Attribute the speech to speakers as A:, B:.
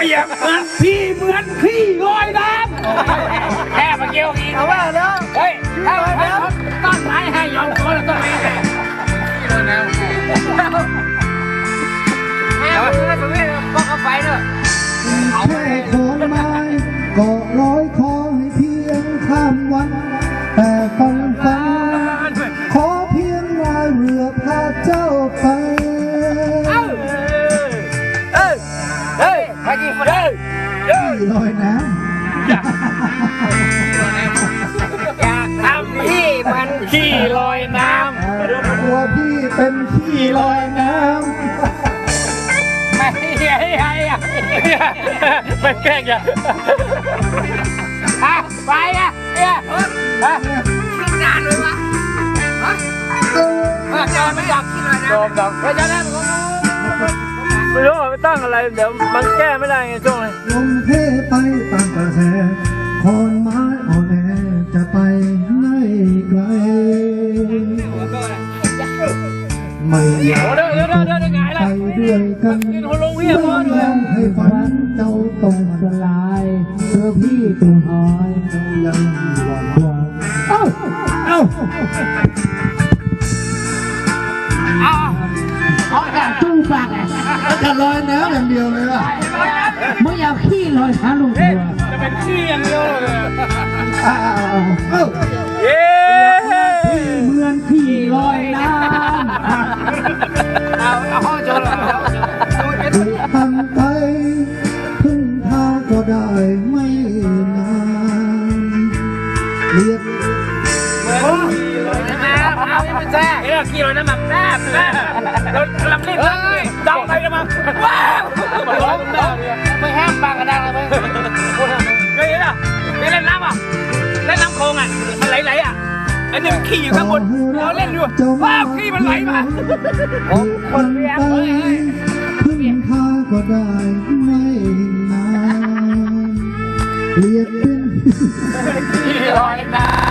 A: เปรียบเหมือนพี่เหมือนขี้ลอยน้ำแค่มาเกี่ยวอีกเอาว่าแล้วเฮ้ยถ้าต้นไม้ให้ยอมคนละต้นไม้ให้ขี้ลอยน้ำแม่มันตรงนี้ก็เข้าไปเนอะ
B: แค่โคนไม้ก็ร้อยคอให้เพียงข้ามวันแต่ฝันขอเพียงว่าเรือพาเจ้าไป
A: ไปกี่คนเลย
B: ขี้ลอยน้ำ
A: อยากทำพี่มันขี้ลอยน้ำ
B: ตัวพี่เป็นขี้ลอยน้ำ
A: ไม่แกล้งอย่าไปอ่ะเนี่ยนานเลยวะจอไม่ดับขี้ลอยน้ำจอไม่จะได้ไม่รู้ไม่ตั้งอะไรเดี๋ยวมันแก้ไม่ได้ไงช่วงนี้
B: ลงเทไปตามกระแสคอนไม้อ่อนแอจะไปไหนไกลไม่อยากไปด้วยกันต้องให้ฝันเจ้าต้องสลายเพื่อพี่ตัวหายยังหวังว่า
C: เอาแต่ตู้ปาก
B: จะลอยน้ำอย่างเดียวเลยล่ะ
C: มึงอยากขี้ลอยหาลุงตัว
A: จะเป็นขี้อย่างเดียวเลย
C: เย้เหมือนขี้ลอยน้ำ
A: เอาห้องจน
B: ทำไปพึ่งพาก็ได้ไม่นานเรียก
A: เอายังไม่แท้ขี้ลอยน้ำแบบแซ่บเราลำรีบจับไปกันมาว้าวไม่แห้งปากกระด้างเลยเคยเห็นอ่ะไปเล่นน้ำอ่ะเล่นน้ำโคงอ่ะมันไหลๆอ่ะไอ้หนึ่งขี่อยู่ข้างบนเราเล่นอยู่ว้าวขี่มันไหลมา
B: คนเรียกพึ่งพาก็ได้ไม่นานเรียกเป็น
A: ขี้ลอยน้ำ